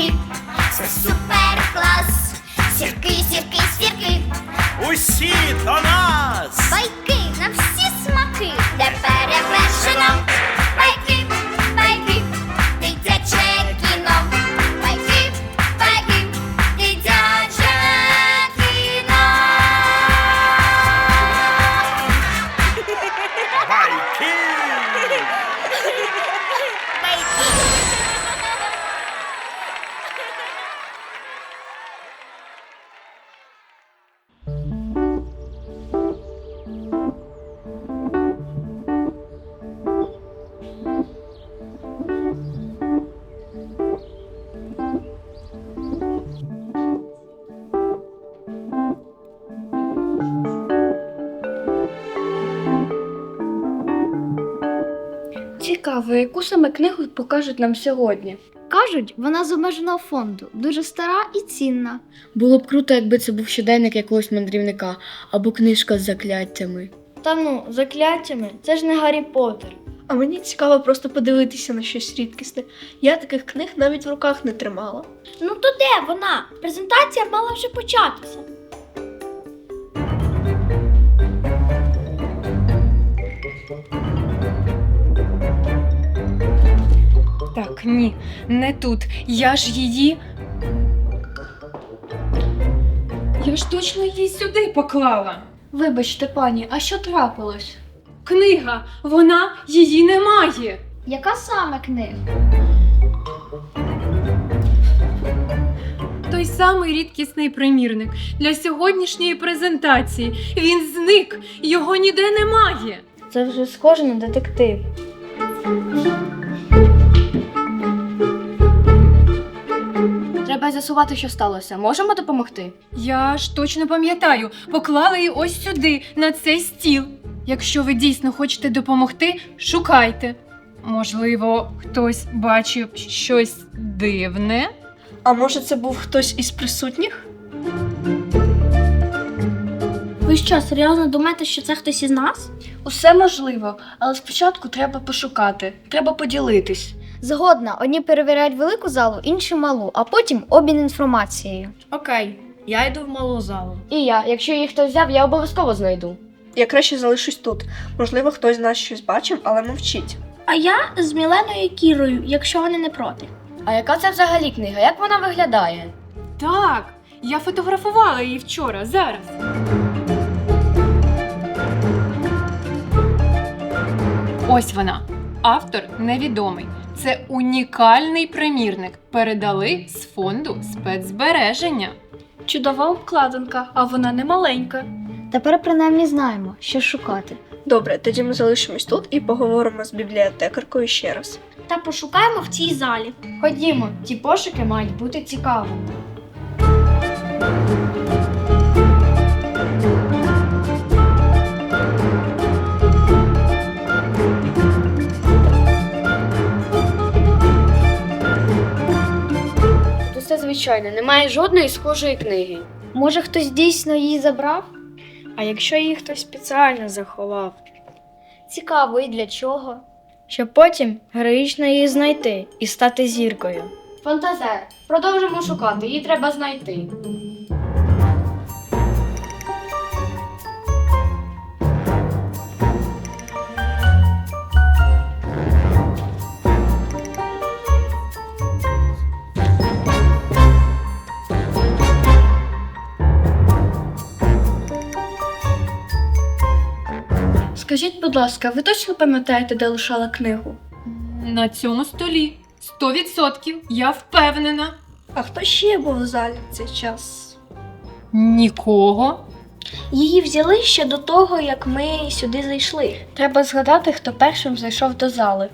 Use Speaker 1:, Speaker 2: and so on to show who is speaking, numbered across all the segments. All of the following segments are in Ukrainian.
Speaker 1: сірки, це супер клас. Сірки, сірки, сірки,
Speaker 2: Усі до нас!
Speaker 1: байки на всі смаки, де перевершено. Байки, байки, дитяче кіно. Байки, байки, дитяче кіно.
Speaker 2: Байки!
Speaker 3: Цікаво, яку саме книгу покажуть нам сьогодні.
Speaker 4: Кажуть, вона з обмеженого фонду, дуже стара і цінна.
Speaker 3: Було б круто, якби це був щоденник якогось мандрівника або книжка з закляттями.
Speaker 4: Та ну, закляттями, це ж не Гаррі Поттер.
Speaker 5: А мені цікаво просто подивитися на щось рідкісне. Я таких книг навіть в руках не тримала.
Speaker 4: Ну то де вона? Презентація мала вже початися.
Speaker 6: Так, ні, не тут. Я ж її. Я ж точно її сюди поклала.
Speaker 3: Вибачте, пані, а що трапилось?
Speaker 6: Книга, вона її немає.
Speaker 4: Яка саме книга?
Speaker 6: Той самий рідкісний примірник для сьогоднішньої презентації. Він зник, його ніде немає.
Speaker 4: Це вже схоже на детектив.
Speaker 3: Треба з'ясувати, що сталося. Можемо допомогти?
Speaker 6: Я ж точно пам'ятаю, поклала її ось сюди, на цей стіл. Якщо ви дійсно хочете допомогти, шукайте. Можливо, хтось бачив щось дивне?
Speaker 5: А може це був хтось із присутніх?
Speaker 4: Ви що, серйозно думаєте, що це хтось із нас?
Speaker 3: Усе можливо, але спочатку треба пошукати, треба поділитись.
Speaker 4: Згодна, одні перевіряють велику залу, інші малу, а потім обмін інформацією.
Speaker 3: Окей, я йду в малу залу.
Speaker 4: І я, якщо її хтось взяв, я обов'язково знайду.
Speaker 5: Я краще залишусь тут. Можливо, хтось з нас щось бачив, але мовчить.
Speaker 4: А я з Міленою і Кірою, якщо вони не проти.
Speaker 3: А яка це взагалі книга? Як вона виглядає?
Speaker 6: Так, я фотографувала її вчора, зараз. Ось вона. Автор невідомий. Це унікальний примірник. Передали з фонду спецзбереження.
Speaker 5: Чудова обкладинка, а вона не маленька.
Speaker 4: Тепер принаймні знаємо, що шукати.
Speaker 5: Добре, тоді ми залишимось тут і поговоримо з бібліотекаркою ще раз.
Speaker 4: Та пошукаємо в цій залі.
Speaker 3: Ходімо, ті пошуки мають бути цікавими. Тут все звичайно, немає жодної схожої книги.
Speaker 4: Може, хтось дійсно її забрав?
Speaker 3: А якщо її хтось спеціально заховав?
Speaker 4: Цікаво, і для чого?
Speaker 3: Щоб потім героїчно її знайти і стати зіркою.
Speaker 4: Фантазер, продовжимо шукати, її треба знайти.
Speaker 5: Скажіть, будь ласка, ви точно пам'ятаєте, де лишала книгу?
Speaker 6: На цьому столі. 100%, я впевнена.
Speaker 5: А хто ще був в залі в цей час?
Speaker 6: Нікого.
Speaker 4: Її взяли ще до того, як ми сюди зайшли.
Speaker 3: Треба згадати, хто першим зайшов до зали.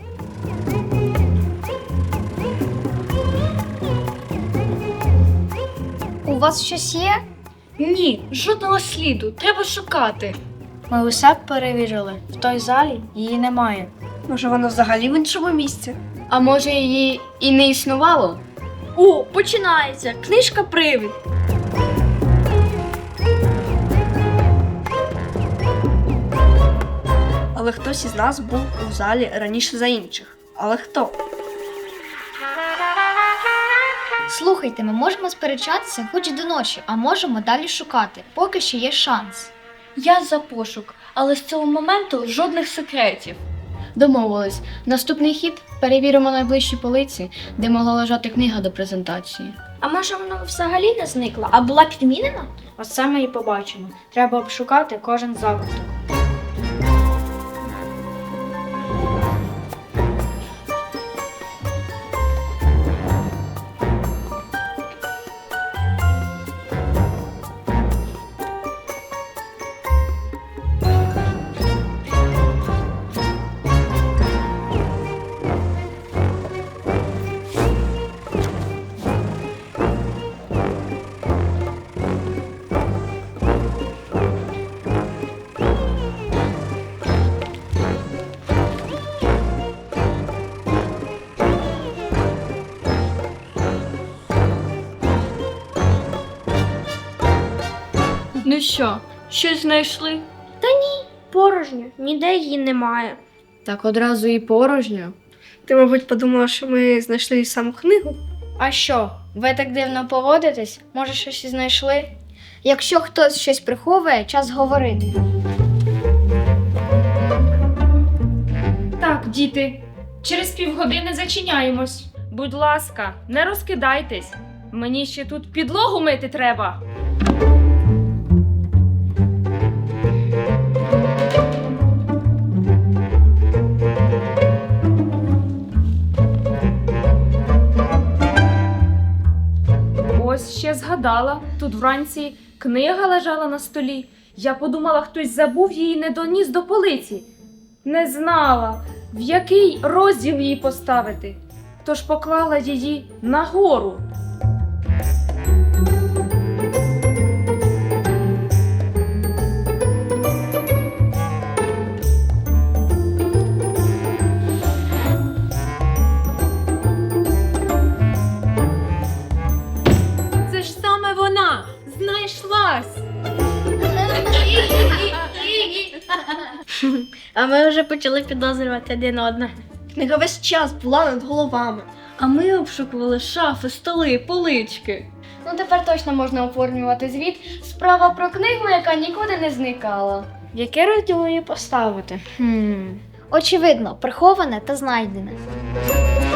Speaker 4: У вас щось є?
Speaker 3: Ні, жодного сліду. Треба шукати. Ми усе перевірили. В той залі її немає.
Speaker 5: Може, вона взагалі в іншому місці?
Speaker 3: А може її і не існувало?
Speaker 4: О, починається! Книжка «Привид».
Speaker 5: Але хтось із нас був у залі раніше за інших. Але хто?
Speaker 4: Слухайте, ми можемо сперечатися хоч до ночі, а можемо далі шукати, поки ще є шанс.
Speaker 3: Я за пошук, але з цього моменту жодних секретів.
Speaker 7: Домовились. Наступний хід перевіримо найближчі полиці, де могла лежати книга до презентації.
Speaker 3: А може вона взагалі не зникла, а була підмінена?
Speaker 8: От саме і побачимо. Треба обшукати кожен закуток.
Speaker 3: Ну що, щось знайшли?
Speaker 5: Порожньо, ніде її немає.
Speaker 7: Так одразу і порожньо.
Speaker 5: Ти, мабуть, подумала, що ми знайшли саму книгу?
Speaker 8: А що, ви так дивно поводитесь? Може, щось і знайшли?
Speaker 4: Якщо хтось щось приховує, час говорити.
Speaker 9: Так, діти, через півгодини зачиняємось. Будь ласка, не розкидайтесь. Мені ще тут підлогу мити треба. Ось ще згадала, тут вранці книга лежала на столі. Я подумала, хтось забув її, не доніс до полиці. Не знала, в який розділ її поставити, тож поклала її нагору.
Speaker 6: Це ж саме вона! Знайшлась!
Speaker 3: А ми вже почали підозрювати один одного.
Speaker 5: Книга весь час була над головами.
Speaker 3: А ми обшукували шафи, столи, полички.
Speaker 8: Ну тепер точно можна оформлювати звіт. Справа про книгу, яка нікуди не зникала. В яке розділ її поставити?
Speaker 4: Очевидно, приховане та знайдене.